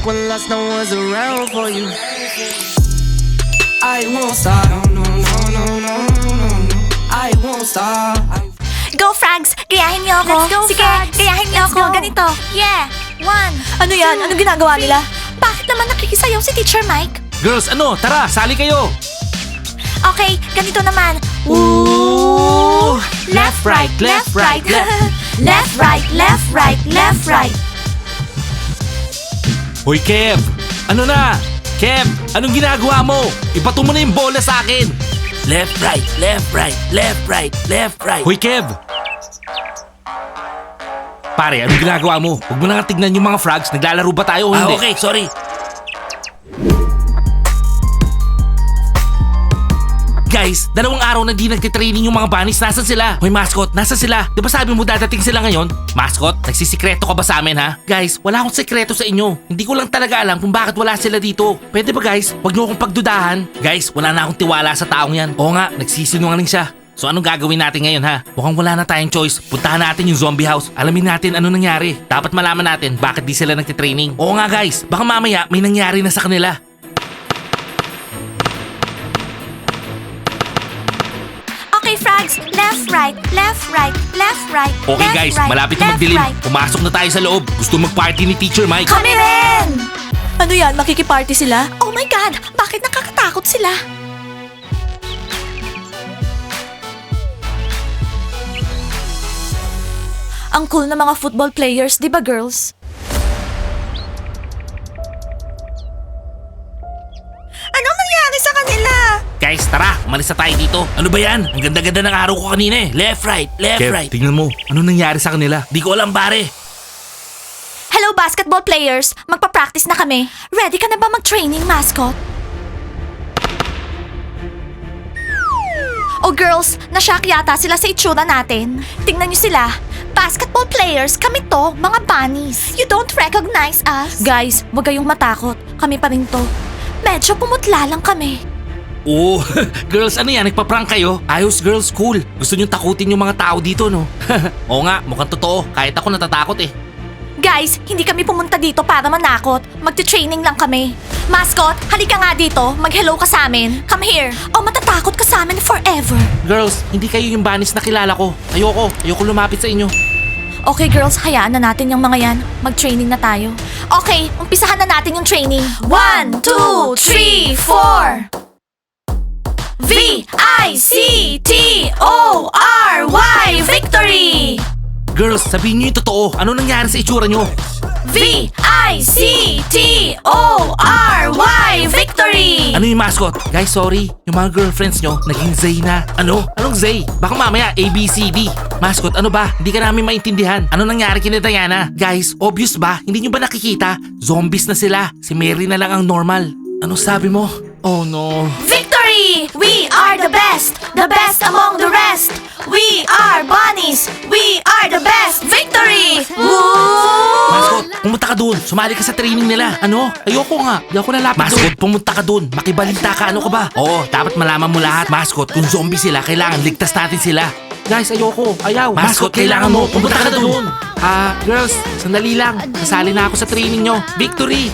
like when last no one's around for you. I won't stop. No, no, no, no, no, no, no. I won't stop. Go, Frags! Gayahin niyo ako! Let's go, Sige, Frags! gayahin niyo Let's ako! go. Ganito! Yeah! 1. Ano yan? Anong ginagawa nila? Bakit naman nakikisayaw si Teacher Mike? Girls, ano? Tara, sali kayo! Okay, ganito naman. Ooh! Left, right, left, right. Left, right, left, right, left, right. Hoy, Kev! Ano na? Kev, anong ginagawa mo? Ibato mo na yung bola sa akin! Left, right, left, right, left, right, left, right. Hoy, Kev! Pare, anong ginagawa mo? Huwag mo na nga tignan yung mga frogs. Naglalaro ba tayo o hindi? Okay, sorry. Guys, 2 araw na di nagtitraining yung mga bunnies. Nasaan sila? Hoy, mascot, nasaan sila? Di ba sabi mo dadating sila ngayon? Mascot, nagsisikreto ka ba sa amin, ha? Guys, wala akong sekreto sa inyo. Hindi ko lang talaga alam kung bakit wala sila dito. Pwede ba, guys? Huwag niyo akong pagdudahan. Guys, wala na akong tiwala sa taong yan. Oo nga, nagsisinungaling siya. So anong gagawin natin ngayon, ha? Mukhang wala na tayong choice. Puntahan natin yung zombie house. Alamin natin ano nangyari. Dapat malaman natin bakit di sila nagtitraining. Oo nga, guys. Baka mamaya may nangyari na sa kanila. Okay, Frags. Left, right, left, right, left, right. Okay, left, guys. right, Malapit na left, magdilim. right. Pumasok na tayo sa loob. Gusto mag-party ni Teacher Mike. Kami rin! Ano yan? Makikiparty sila? Oh my God! Bakit nakakatakot sila? Ang cool na mga football players, di ba girls? Anong nangyari sa kanila? Guys, tara. Umalis na tayo dito. Ano ba yan? Ang ganda-ganda ng araw ko kanina eh. Left, right, left, Kev, right. tingnan mo. Ano nangyari sa kanila? Di ko alam, pare. Hello, basketball players. Magpa-practice na kami. Ready ka na ba mag-training, mascot? Oh girls, nashock yata sila sa itsura natin. Tingnan niyo sila. Basketball players, kami to, mga bunnies. You don't recognize us? Guys, wag kayong matakot. Kami pa rin to. Medyo pumutla lang kami. Oo. Girls, ano yan? Nagpa-prank kayo? Ayos, girls, cool. Gusto nyo takutin yung mga tao dito, no? Oo nga, mukhang totoo. Kahit ako natatakot eh. Guys, hindi kami pumunta dito para manakot. Magte-training lang kami. Mascot, halika nga dito. Mag-hello ka sa amin. Come here. O matatakot ka sa amin forever. Girls, hindi kayo yung banis na kilala ko. Ayoko lumapit sa inyo. Okay girls, hayaan na natin yung mga yan. Mag-training na tayo. Okay, umpisahan na natin yung training. 1, 2, 3, 4. V-I-C-T-O-R-Y Victory! Girls, sabihin nyo yung totoo. Ano nangyari sa itsura nyo? V-I-C-T-O-R-Y Victory! Ano yung mascot? Guys, sorry. Yung mga girlfriends nyo, naging Zay na. Ano? Anong Zay? Baka mamaya ABCD. Mascot, ano ba? Hindi ka namin maintindihan. Ano nangyari kina Diana? Guys, obvious ba? Hindi nyo ba nakikita? Zombies na sila. Si Mary na lang ang normal. Ano sabi mo? Oh no. Victory! We are the best among the rest. We are bunnies. We are the best. Victory! Woo! Mascot, pumunta ka dun. Sumali ka sa training nila. Ano? Ayoko nga. Di ako nalapit Mascot, pumunta ka dun. Makibalita ka. Ano ka ba? Oo, dapat malaman mo lahat. Mascot, kung zombie sila, kailangan ligtas natin sila. Guys, ayoko. Ayaw. Mascot, kailangan mo. Pumunta ka na dun. Girls, sandali lang. Kasali na ako sa training nyo. Victory!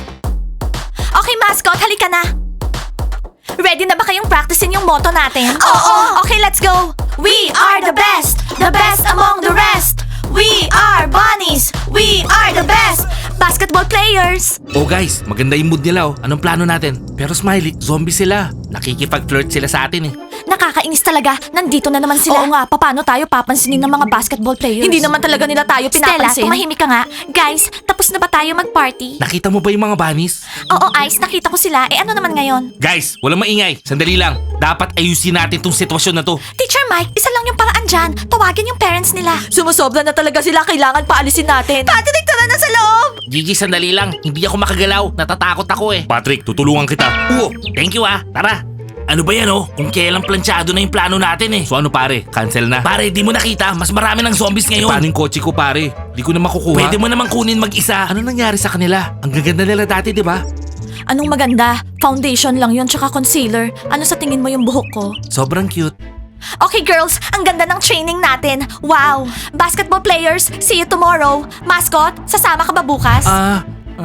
Okay, mascot, halika na. Ready na ba kayong practicein yung motto natin? Oo! Okay, let's go! We are the best among the rest. We are bunnies. We are the best basketball players. Oh guys, maganda yung mood nila oh. Anong plano natin? Pero Smiley, zombie sila. Nakikipag-flirt sila sa atin eh. Nakakainis talaga. Nandito na naman sila. Oo nga, paano tayo papansinin ng mga basketball players? Hindi naman talaga nila tayo Stella, pinapansin. Tumahimik ka nga. Guys, tapos na ba tayo mag-party? Nakita mo ba yung mga bunnies? Oo, Ice, nakita ko sila. Eh ano naman ngayon? Guys, walang maingay. Sandali lang. Dapat ayusin natin tong sitwasyon na to. Teacher Mike, isa lang yung paraan dyan. Tawagin yung parents nila. Sumusobra na talaga sila. Kailangan paalisin natin. Patrick, tara na sa loob! Gigi, sandali lang. Hindi ako makagalaw. Natatakot ako eh. Patrick, tutulungan kita. Oo, thank you ah. Tara. Ano ba yan oh? Kung kailang planchado na yung plano natin eh. So ano pare? Cancel na? Pare, di mo nakita. Mas marami ng zombies Eh, ngayon. paano yung kotse ko pare? Di ko na makukuha. Pwede mo namang kunin mag-isa. Ano nangyari sa kanila? Ang gaganda nila dati, di ba? Anong maganda? Foundation lang yun tsaka concealer. Ano sa tingin mo yung buhok ko? Sobrang cute. Okay girls, ang ganda ng training natin. Wow! Basketball players, see you tomorrow. Mascot, sasama ka ba bukas?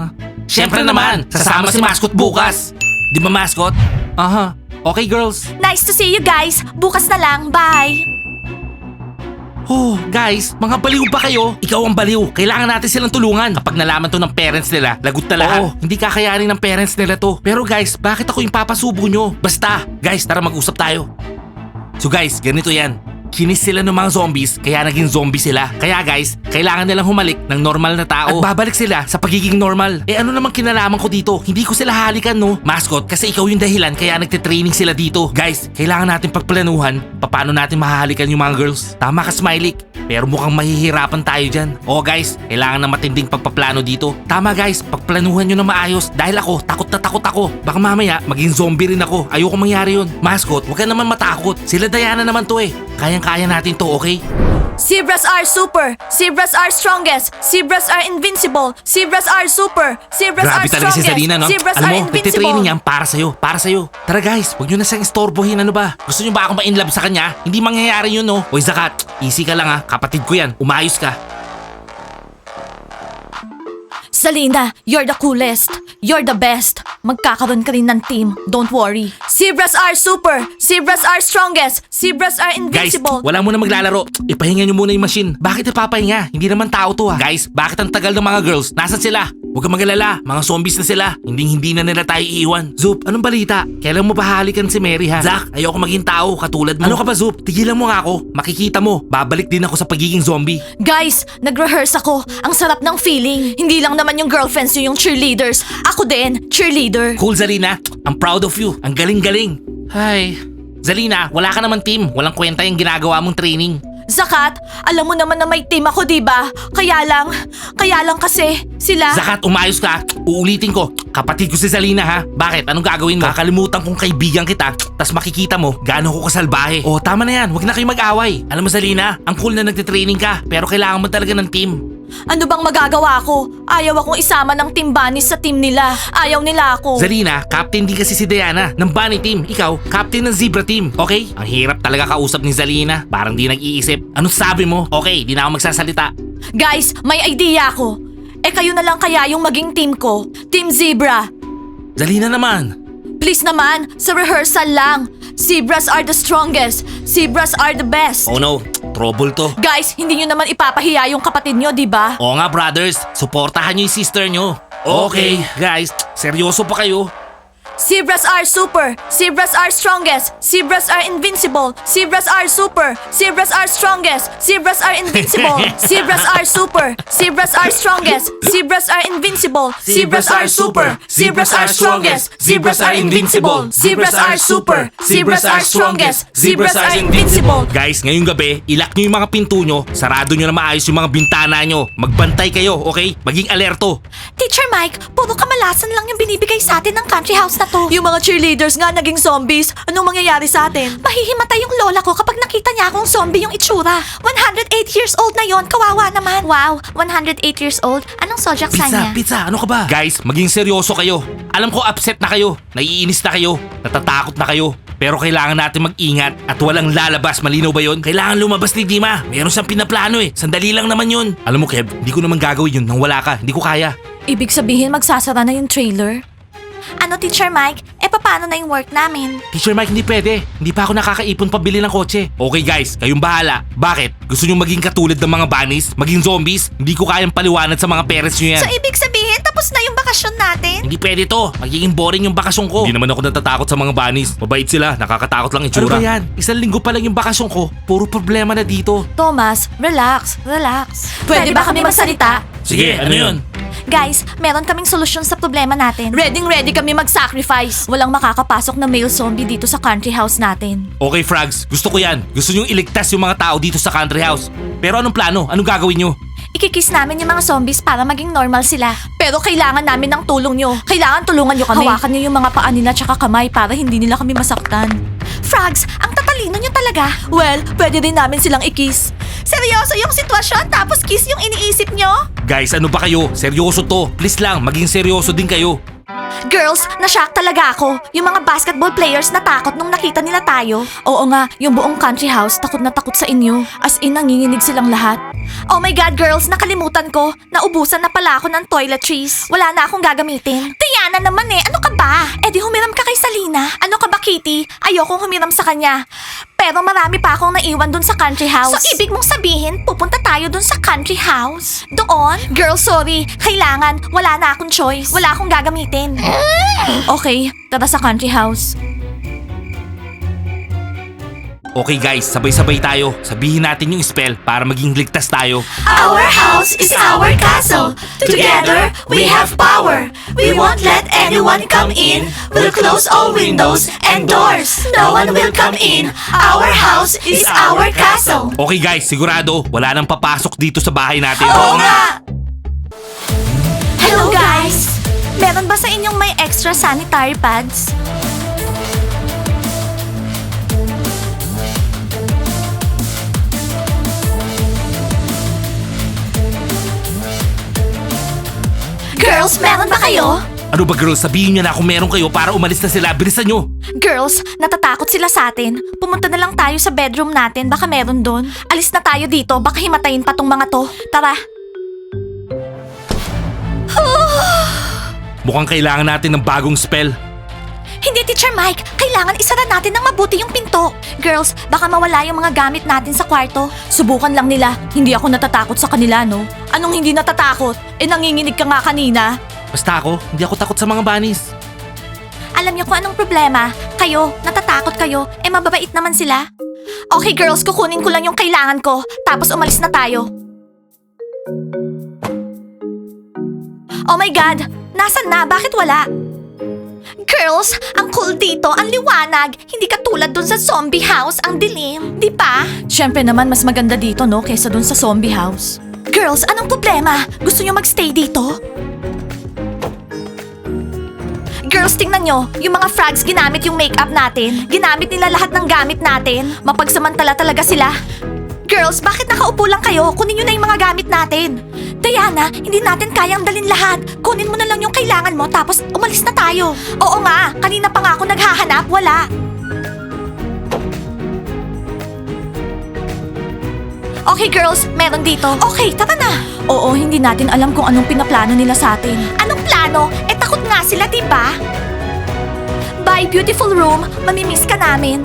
Siyempre naman, sasama si Mascot bukas. Di ba, Mascot? Aha. Okay, girls. Nice to see you guys. Bukas na lang. Bye. Oh, guys, mga baliw ba kayo? Ikaw ang baliw. Kailangan natin silang tulungan. Kapag nalaman to ng parents nila, lagot na lahat. Oo, hindi kakayanin ng parents nila to. Pero guys, bakit ako yung papasubo nyo? Basta, guys, tara mag-usap tayo. So guys, ganito yan. Kinis sila ng mga zombies, kaya naging zombie sila. Kaya guys, kailangan nilang humalik ng normal na tao. At babalik sila sa pagiging normal. Eh ano namang kinalaman ko dito? Hindi ko sila halikan, no? Mascot, kasi ikaw yung dahilan kaya nagtitraining sila dito. Guys, kailangan natin pagplanuhan paano natin mahahalikan yung mga girls. Tama ka, Smiley. Pero mukhang mahihirapan tayo dyan. Oo guys, kailangan ng matinding pagpaplano dito. Tama guys, pagplanuhan nyo na maayos. Dahil ako, takot na takot ako. Baka mamaya, maging zombie rin ako. Ayoko mangyari yun. Mascot, huwag ka naman matakot. Sila Diana naman to eh. Kayang-kaya natin to, okay? Zebras are super. Zebras are strongest. Zebras are invincible. Zebras are super. Zebras Grabe are talaga si strongest. Zalina, no? Zebras Alam are mo, invincible. nagtitraining yan para sa'yo, para sa'yo. Tara guys, huwag nyo na siyang istorbohin, ano ba? Gusto nyo ba akong ma-inlove sa kanya? Hindi mangyayari yun, no? Oy Zakat, easy ka lang ha, kapatid ko yan, umayos ka. Zalina, you're the coolest. You're the best. Magkakaroon ka rin ng team. Don't worry. Zebras are super. Zebras are strongest. Zebras are Guys, invincible. wala muna maglalaro. Ipahinga nyo muna yung machine. Bakit ipapahinga? Hindi naman tao to ha. Guys, bakit ang tagal ng mga girls? Nasaan sila? Huwag kang magalala. Mga zombies na sila. Hindi na nila tayo iiwan. Zup, anong balita? Kailan mo ba halikan si Mary ha? Zach, ayoko maging tao katulad mo. Ano ka ba Zup? Tigilan mo nga ako. Makikita mo. Babalik din ako sa pagiging zombie. Guys, nag-rehearse ako. Ang sarap ng feeling. Hindi lang naman yung girlfriends nyo yung cheerleaders. Ako din, cheerleader. Cool Zalina. I'm proud of you. Ang galing-galing. Ay. Zalina, wala ka naman team. Walang kwenta yung ginagawa mong training. Zakat, alam mo naman na may team ako, diba? Kaya lang kasi sila... Zakat, umayos ka. Uulitin ko. Kapatid ko si Zalina ha. Bakit? Anong gagawin mo? Kakalimutan kong kaibigan kita. Tas makikita mo, gaano ko kasalbahe. Oh, tama na yan. Huwag na kayo mag-away. Alam mo Zalina, ang cool na nagtitraining ka. Pero kailangan mo talaga ng team. Ano bang magagawa ko? Ayaw akong isama ng team bunnies sa team nila. Ayaw nila ako. Zalina, captain din kasi si Diana ng bunny team. Ikaw, captain ng zebra team. Okay? Ang hirap talaga kausap ni Zalina. Parang di nag-iisip. Anong sabi mo? Okay, di na ako magsasalita. Guys, may idea ako. Eh kayo na lang kaya yung maging team ko. Team Zebra. Zalina naman. Please naman, sa rehearsal lang. Zebras are the strongest. Zebras are the best. Oh no, trouble to. Guys, hindi nyo naman ipapahiya yung kapatid nyo, di ba? Oo nga brothers, suportahan nyo yung sister nyo. Okay, guys, seryoso pa kayo? Zebras are super. Zebras are strongest. Zebras are invincible. Zebras are super. Zebras are strongest. Zebras are invincible. Zebras are super. Zebras are strongest. Zebras are invincible. Zebras are super. Zebras are strongest. Zebras are invincible. Zebras are super. Zebras are strongest. Zebras are invincible. Guys, ngayong gabi, ilak nyo yung mga pinto nyo, sarado nyo na maayos yung mga bintana nyo. Magbantay kayo, okay? Maging alerto. Teacher Mike, puro kamalasan lang yung binibigay sa atin ng country house na to. Yung mga cheerleaders nga naging zombies. Anong mangyayari sa atin? Mahihimatay yung lola ko kapag nakita niya akong zombie yung itsura. 108 years old na yon, kawawa naman. Wow, 108 years old? Anong zodiac sign niya? Pizza, ano ka ba? Guys, maging seryoso kayo. Alam ko upset na kayo, naiinis na kayo, natatakot na kayo. Pero kailangan natin mag-ingat at walang lalabas. Malinaw ba yun? Kailangan lumabas ni Dima. Meron siyang pinaplano eh. Sandali lang naman yun. Alam mo Kev, hindi ko naman gagawin yun nang wala ka. Hindi ko kaya. Ibig sabihin magsasara na yung trailer? Ano, Teacher Mike? Eh, paano na yung work namin? Teacher Mike, hindi pwede. Hindi pa ako nakakaipon pabili ng kotse. Okay guys, kayong bahala. Bakit? Gusto nyo maging katulad ng mga bunnies? Maging zombies? Hindi ko kayang paliwanag sa mga parents nyo yan. So, ibig sabihin, tapos na yung bakasyon natin? Hindi pwede to. Magiging boring yung bakasyon ko. Hindi naman ako natatakot sa mga bunnies. Mabait sila. Nakakatakot lang itsura. Ano ba yan? Isang linggo pa lang yung bakasyon ko. Puro problema na dito. Thomas, relax. Pwede ba kami magsalita? Sige, ano yun? Guys, meron kaming solusyon sa problema natin. Ready kami mag-sacrifice. Walang makakapasok na male zombie dito sa country house natin. Okay, Frogs. Gusto ko yan. Gusto nyong iligtas yung mga tao dito sa country house. Pero anong plano? Anong gagawin nyo? Ikikiss namin yung mga zombies para maging normal sila. Pero kailangan namin ng tulong nyo. Kailangan tulungan nyo kami. Hawakan nyo yung mga paa nila tsaka kamay para hindi nila kami masaktan. Frogs, ang tatalino nyo talaga. Well, pwede din namin silang i-kiss. Seryoso yung sitwasyon tapos kiss yung iniisip nyo? Guys, ano ba kayo? Seryoso to. Please lang, maging seryoso din kayo. Girls, na-shock talaga ako. Yung mga basketball players natakot nung nakita nila tayo. Oo nga, yung buong country house takot na takot sa inyo. As in, nanginginig silang lahat. Oh my God, girls, nakalimutan ko. Naubusan na pala ako ng toiletries. Wala na akong gagamitin. Diana naman ano ka ba? Eh di humiram ka kay Salina. Ano ka ba, Kitty? Ayokong humiram sa kanya. Pero marami pa akong naiwan dun sa country house. So, ibig mong sabihin, pupunta tayo dun sa country house? Doon? Girl, sorry. Kailangan. Wala na akong choice. Wala akong gagamitin. Okay, tara sa country house. Okay guys, sabay-sabay tayo. Sabihin natin yung spell para maging ligtas tayo. Our house is our castle. Together, we have power. We won't let anyone come in. We'll close all windows and doors. No one will come in. Our house is our castle. Okay guys, sigurado wala nang papasok dito sa bahay natin. Oo nga! Hello guys! Meron ba sa inyong may extra sanitary pads? Girls, meron ba kayo? Ano ba girls, sabihin nyo na kung meron kayo para umalis na sila. Bilisan nyo. Girls, natatakot sila sa atin. Pumunta na lang tayo sa bedroom natin, baka meron doon. Alis na tayo dito, baka himatayin pa tong mga to. Tara. Mukhang kailangan natin ng bagong spell. Hindi, Teacher Mike. Kailangan isara natin ng mabuti yung pinto. Girls, baka mawala yung mga gamit natin sa kwarto. Subukan lang nila. Hindi ako natatakot sa kanila, no? Anong hindi natatakot? Eh, nanginginig ka nga kanina. Basta ako, hindi ako takot sa mga bunnies. Alam niyo kung anong problema? Kayo, natatakot kayo. Eh, mababait naman sila. Okay, girls, kukunin ko lang yung kailangan ko. Tapos umalis na tayo. Oh my God! Nasaan na? Bakit wala? Girls, ang cool dito, ang liwanag. Hindi katulad dun sa zombie house, ang dilim. Di ba? Siyempre naman, mas maganda dito, no? Kaysa dun sa zombie house. Girls, anong problema? Gusto nyo magstay dito? Girls, tingnan nyo. Yung mga frogs ginamit yung makeup natin. Ginamit nila lahat ng gamit natin. Mapagsamantala talaga sila. Girls, bakit nakaupo lang kayo? Kunin nyo na yung mga gamit natin. Diana, hindi natin kayang dalin lahat. Kunin mo na lang yung kailangan mo tapos umalis na tayo. Oo nga, kanina pa nga ako naghahanap, wala. Okay girls, meron dito. Okay, tara na. Oo, hindi natin alam kung anong pinaplano nila sa atin. Anong plano? Eh takot nga sila, diba? Bye, beautiful room. Mamimiss ka namin.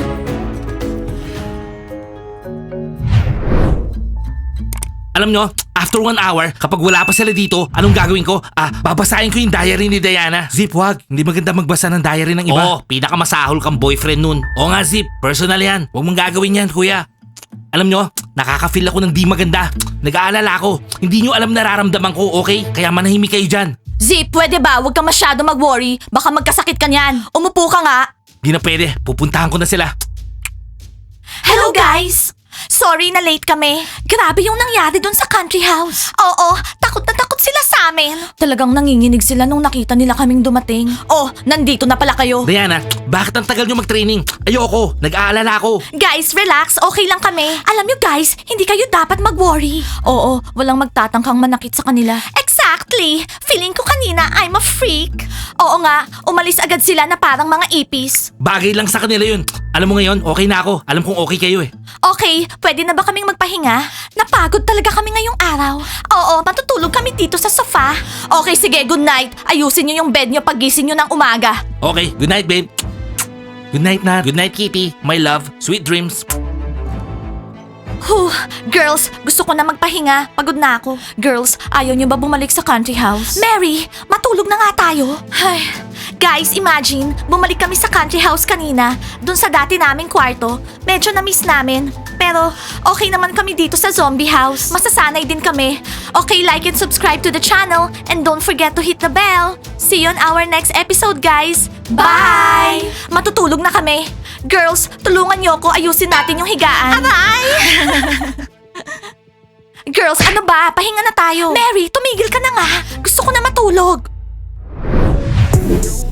Alam nyo, after 1 hour, kapag wala pa sila dito, anong gagawin ko? Babasahin ko yung diary ni Diana. Zip, wag. Hindi maganda magbasa ng diary ng iba. Oo, pinakamasahol kang boyfriend nun. Oo nga, Zip. Personal yan. Huwag mong gagawin yan, kuya. Alam nyo, nakaka-feel ako ng di maganda. Nag-aalala ako. Hindi nyo alam nararamdaman ko, okay? Kaya manahimik kayo dyan. Zip, pwede ba? Huwag kang masyado mag-worry. Baka magkasakit ka niyan. Umupo ka nga. Di na pwede. Pupuntahan ko na sila. Hello guys! Sorry na late kami. Grabe yung nangyari dun sa country house. Oo, takot na takot sila sa amin. Talagang nanginginig sila nung nakita nila kaming dumating. Oh, nandito na pala kayo. Diana, bakit ang tagal nyo mag-training? Ayoko. Nag-aalala ako. Guys, relax. Okay lang kami. Alam nyo guys, hindi kayo dapat mag-worry. Oo, walang magtatangkang manakit sa kanila. Exactly. Feeling ko kanina I'm a freak. Oo nga, umalis agad sila na parang mga ipis. Bagay lang sa kanila yun. Alam mo ngayon, okay na ako. Alam kong okay kayo eh. Okay, pwede na ba kaming magpahinga? Napagod talaga kami ngayong araw. Oo, matutulog kami dito sa sofa. Okay, sige, good night. Ayusin niyo yung bed niyo pagising niyo ng umaga. Okay, good night, babe. Good night, Nat. Good night, Kitty. My love. Sweet dreams. Huh, girls, gusto ko na magpahinga. Pagod na ako. Girls, ayaw niyo ba bumalik sa country house? Mary, matulog na nga tayo. Ay, guys, imagine, bumalik kami sa country house kanina, dun sa dati naming kwarto. Medyo na-miss namin. Pero okay naman kami dito sa zombie house. Masasanay din kami. Okay, like and subscribe to the channel. And don't forget to hit the bell. See you on our next episode, guys. Bye! Matutulog na kami. Girls, tulungan niyo ako ayusin natin yung higaan. Aray! Girls, ano ba? Pahinga na tayo. Mary, tumigil ka na nga. Gusto ko na matulog.